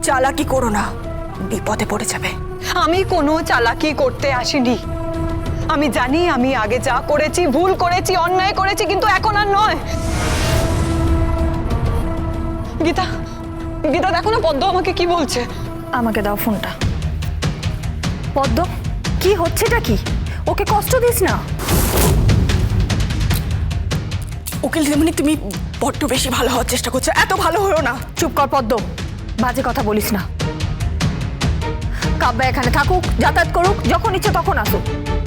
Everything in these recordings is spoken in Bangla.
চালাকি করো না, বিপদে পড়ে যাবে। আমি কোনো চালাকি করতে আসিনি। আমি জানি আমি আগে যা করেছি ভুল করেছি, অন্যায় করেছি, কিন্তু এখন আর নয়। গীতা, গীতা দেখো না পদ্ম আমাকে কি বলছে। আমাকে দাও ফোনটা। পদ্ম, কি হচ্ছেটা কি? ওকে কষ্ট দিস না। উকিল দিদিমণি, তুমি বড্ড বেশি ভালো হওয়ার চেষ্টা করছো, এত ভালো হয়েও না। চুপ কর পদ্ম, বাজে কথা বলিস না। কাব্যা এখানে থাকুক, যাতায়াত করুক, যখন ইচ্ছে তখন আসুক।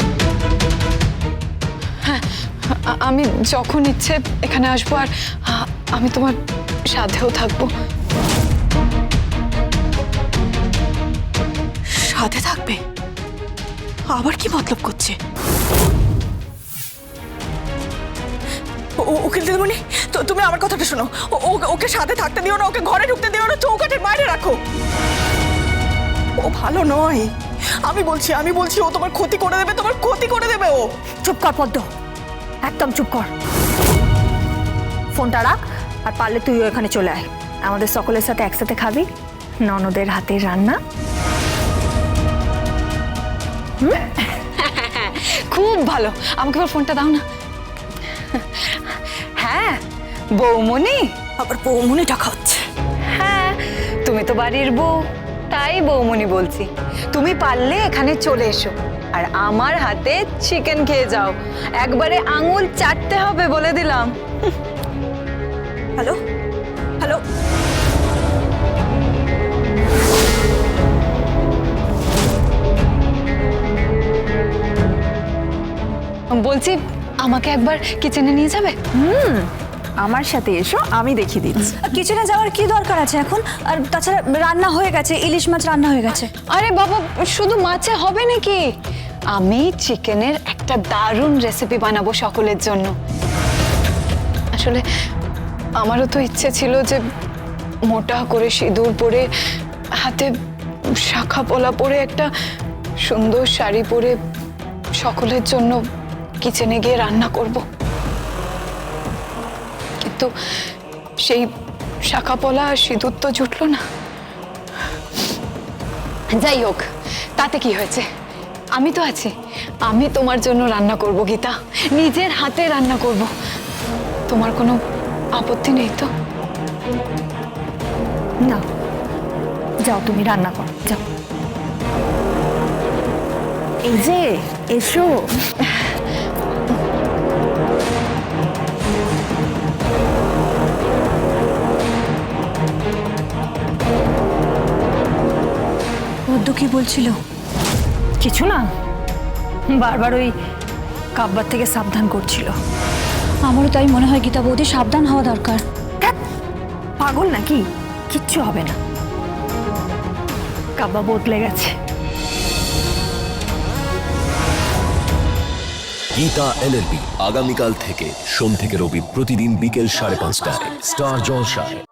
হ্যাঁ, আমি যখন ইচ্ছে এখানে আসবো, আর আমি তোমার সাথেও থাকবো। সাথে থাকবে? আবার কি মতলব করছে? উকিল দিদিমণি, তো তুমি আমার কথাটা শোনো। ওকে সাথে থাকতে দিও না, ওকে ঘরে ঢুকতে দিও না, চৌকাঠের বাইরে রাখো। ও ভালো নয়, আমি বলছি ও তোমার ক্ষতি করে দেবে, তোমার ক্ষতি করে দেবে ও। চুপ কর পদ্ম, একদম চুপ কর। ফোনটা রাখ, আর পারলে তুইও এখানে চলে আয়। আমাদের সকলের সাথে একসাথে খাবি ননদের হাতের রান্না। খুব ভালো, আমাকে এবার ফোনটা দাও না। হ্যাঁ বৌমনি। আবার বৌমনি টাকা হচ্ছে? হ্যাঁ, তুমি তো বাড়ির বউ, তাই বৌমনি বলছি। তুমি পারলে এখানে চলে এসো, আর আমার হাতে চিকেন খেয়ে যাও। একবারে আঙুল চাটতে হবে বলে দিলাম। হ্যালো হ্যালো, বলছি আমাকে একবার কিচেনে নিয়ে যাবে? আমার সাথে এসো, আমি দেখিয়ে দিচ্ছি। কিচেনে যাওয়ার কি দরকার আছে এখন? আর তাছাড়া রান্না হয়ে গেছে, ইলিশ মাছ রান্না হয়ে গেছে। আরে বাবা, শুধু মাছে হবে নাকি? আমি চিকেনের একটা দারুণ রেসিপি বানাবো সকলের জন্য। আসলে আমারও তো ইচ্ছে ছিল যে মোটা করে সিঁদুর পরে, হাতে শাখা পলা পরে, একটা সুন্দর শাড়ি পরে সকলের জন্য কিচেনে গিয়ে রান্না করব। কিন্তু সেই শাখা পলা আর সিঁদুর তো জুটলো না। যাই হোক, তাতে কি হয়েছে? আমি তো আছি, আমি তোমার জন্য রান্না করব গীতা, নিজের হাতে রান্না করব। তোমার কোনো আপত্তি নেই তো? না, যাও তুমি রান্না করো, যাও। এই যে এসো। পদ্ম কি বলছিল? কিছু না, বারবার ওই কাব্বার থেকে সাবধান করছিল। আমারও তাই মনে হয় গীতা বৌদি, সাবধান হওয়া দরকার। ধ্যাৎ, পাগল নাকি? কিচ্ছু হবে না, কাব্বা বদলে গেছে। গীতা LLB আগামীকাল থেকে সোম থেকে রবি প্রতিদিন বিকেল 5:30টায় স্টার জলসায়।